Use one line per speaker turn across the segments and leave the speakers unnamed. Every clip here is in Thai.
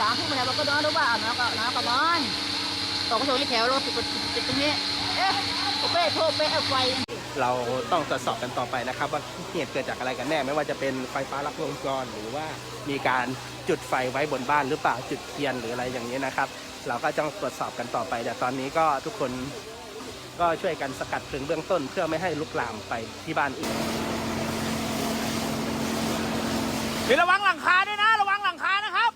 3 ทุ่มแล้วก็นอนดูว่าน้องก็นอนตกกระโดดที่แถวรถติดตรงนี้โอเป้โทษเป้เอาไฟ
เราต้องตรวจสอบกันต่อไปนะครับว่าเหตุเกิดจากอะไรกันแน่ไม่ว่าจะเป็นไฟฟ้าลัดวงจรหรือว่ามีการจุดไฟไว้บนบ้านหรือเปล่าจุดเทียนหรืออะไรอย่างนี้นะครับเราก็ต้องตรวจสอบกันต่อไปแต่ตอนนี้ก็ทุกคนก็ช่วยกันสกัดเพลิงเบื้องต้นเพื่อไม่ให้ลุกลามไปที่บ้านอื่นระวังหลังคาด้วยนะระวังหลังคานะครับ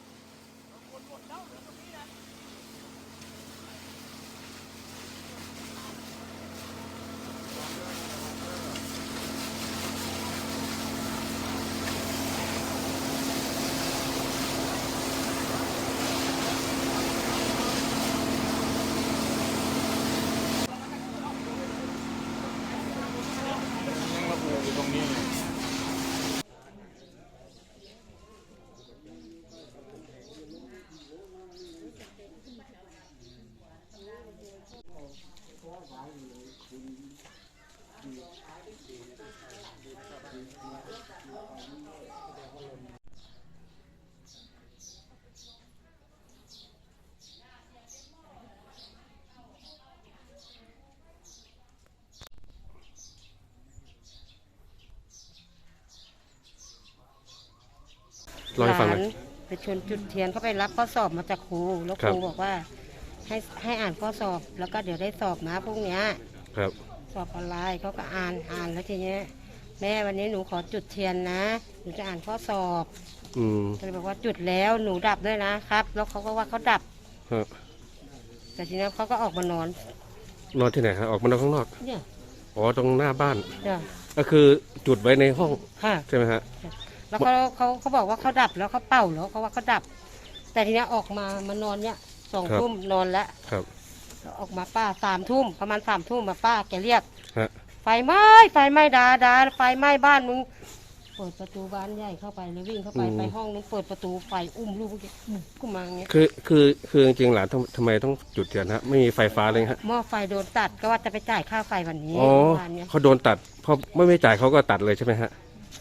หลานไปชวนจุดเทียนเขาไปรับข้อสอบมาจากครูแล้วครูบอกว่าให้อ่านข้อสอบแล้วก็เดี๋ยวได้สอบนะพวกเนี้ยสอบออนไลน์เขาก็อ่านแล้วทีเนี้ยแม่วันนี้หนูขอจุดเทียนนะหนูจะอ่านข้อสอบก็เลยบอกว่าจุดแล้วหนูดับด้วยนะครับแล้วเขาก็ว่าเขาดับแต่ทีนี้เขาก็ออกมานอน
ที่ไหนฮะออกมานอนข้างนอก
เนี่ย
อ๋อตรงหน้าบ้านก็คือจุดไว้ในห้องใช่ไหมฮะ
แล้วเขาบอกว่าเขาดับแล้วเขาเป่าแล้วเขาว่าเขาดับแต่ทีนี้ออกมานอนเนี่ย2 ทุ่มนอนแล้วแล้วออกมาป้า3 ทุ่มประมาณ3 ทุ่มมาป้าแกเรียกไฟไหม้ดาไฟไหม้บ้านมึงเปิดประตูบ้านใหญ่เข้าไปแล้ววิ่งเข้าไปห้องนู้นเปิดประตูไฟอุ้มลูกกูมาอย่างเงี้ย
คือจริงๆหลานทำไมต้องจุดเทียนฮะไม่มีไฟฟ้าเลยฮะ
หม้อไฟโดนตัดก็ว่าจะไปจ่ายค่าไฟวันนี้
เขาโดนตัดพอไม่จ่ายเขาก็ตัดเลยใช่ไหมฮะ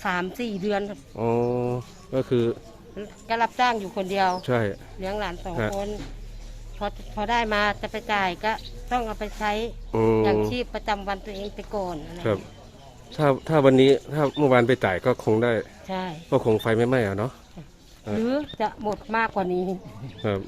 3-4 เดือน
อ๋อก็คือ
ก็รับจ้างอยู่คนเดียว
ใช่
เลี้ยงหลาน2 คนพอได้มาจะไปจ่ายก็ต้องเอาไปใช้อย่างชีพประจำวันตัวเองไปก่อน
ครับถ้าวันนี้ถ้าเมื่อวานไปจ่ายก็คงได้
ใช่
ก็คงไฟไม่ไหม้เนาะ
หรือจะหมดมากกว่านี้
ครับ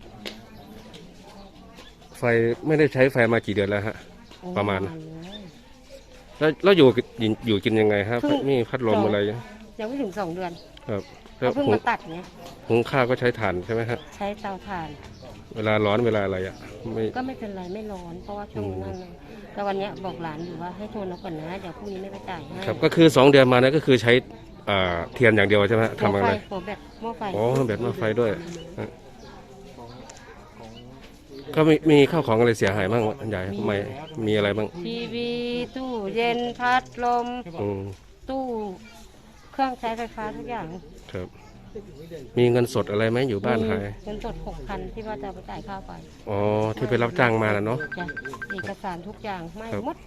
ไฟไม่ได้ใช้ไฟมากี่เดือนแล้วฮะประมาณแล้วอยู่กินยังไงครับมีพัดลมอะไร
ยังไม่ถึง2 เดือน
ครับ
แล้วเพิ่งมาตัดเนี้ย
หุงข้าวก็ใช้ถ่านใช่ไหมฮะ
ใช้เตาถ่าน
เวลาร้อนเวลาอะไร
ก็ไม่เป็นไรไม่ร้อนเพราะว่าช่วงนั้นแต่วันนี้บอกหลานอยู่ว่าให้โทรเอาก่อนนะเดี๋ยวพรุ่งนี้ไม่ไปจ่ายให้
ครับก็คือ2 เดือนมานะก็คือใช้เทียนอย่างเดียวใช่ไหมทำอะไร
หม้อไฟ
อ๋อแบบหม้อไฟด้วยก็มีข้าวของอะไรเสียหายบ้างใหญ่ไม่มีอะไรบ้าง
ทีวีตู้เย็นพัดลมตู้เครื่องใช้ไฟฟ้าทุกอย่าง
ครับมีเงินสดอะไรไหมอยู่บ้านหาย
เงินสด6,000ที่ว่าจะไปจ่ายค่าไฟ
อ๋อที่ไปรับจ้างมาแล้วเนาะ
เอกสารทุกอย่างไม่หมด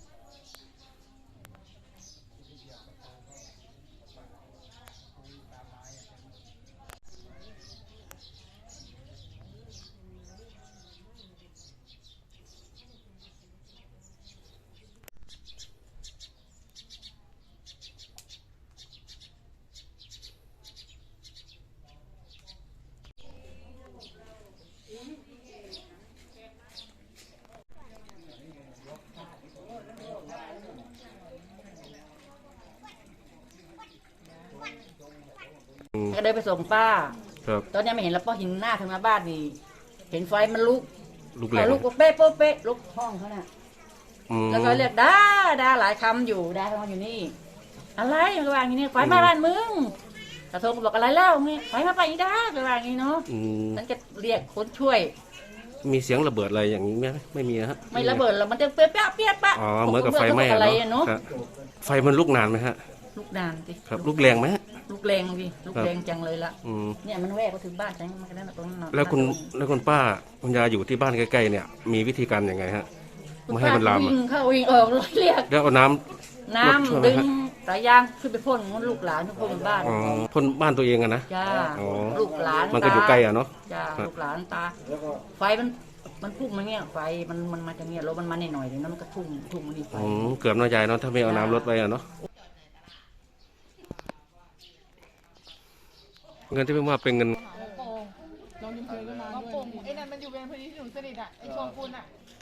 ก็เดินไปส่งป้าตอนนี้ไม่เห็นแล้วป้าหินหน้าทางหน้าบ้านนี่เห็นไฟมันลุก
แรง
ลุกเป๊ะลุกห้องเขาน่ะแล้วก็เรียกด่าหลายคำอยู่ด่าเขาอยู่นี่อะไรมันว่าอย่างนี้ไฟไหม้บ้านมึงกระทงบอกอะไรแล้วนี่ไฟมาไปอีด่าไปว่าอย่างนี้เนาะฉันจะเรียกคนช่วย
มีเสียงระเบิดอะไรอย่างนี้ไหมไม่มีฮะ
ไม่ระเบิดแล้วมันจะเปี้ยปะ
อ๋อเหมือนกับไฟไหม้เนาะไฟมันลุกนานไหมฮะ
ลุกนานสิ
ครับลุกแรงไหม
ลูกแรงพี่ลูกแรงจังเลยละเนี่ยมันแวกก็ถึงบ้านฉันมันก็ได้ตรงนั้น
แล้วคุณป้าคุณยายอยู่ที่บ้านใกล้ๆเนี่ยมีวิธีการยังไงฮะไม่ให้มันลาม
วิ่งเข้าวิ่งออกเรียก
แล้วเอาน้ำ
ดึงสายยางขึ้นไปพ่นมันลูกหลานทุกคนบนบ้าน
อ๋อพ่นบ้านตัวเองอะนะ
จ้า
อ๋อ
ลูกหลาน
มันก็อยู่ใกล้อะเนาะ
จ้าลูกหลานตาไฟมันพุ่งมาเนี่ยไฟมันมาจากเนี่ยรถมันมาหน่อยๆเดี๋ยวนั้นมันก็พุ่งมานี่ไฟ
เกือบน้อยใจเนาะถ้าไม่เอาน้ำรถไปอะเนาะเงินที่ไม่ว่าเป็นเงิน
ลองยิ้มเคยก็มาด้วยไอ้นั่นมันอยู่เป็นพอดีที่หนูสนิทอ่ะไอ้ชวงคุณอ่ะ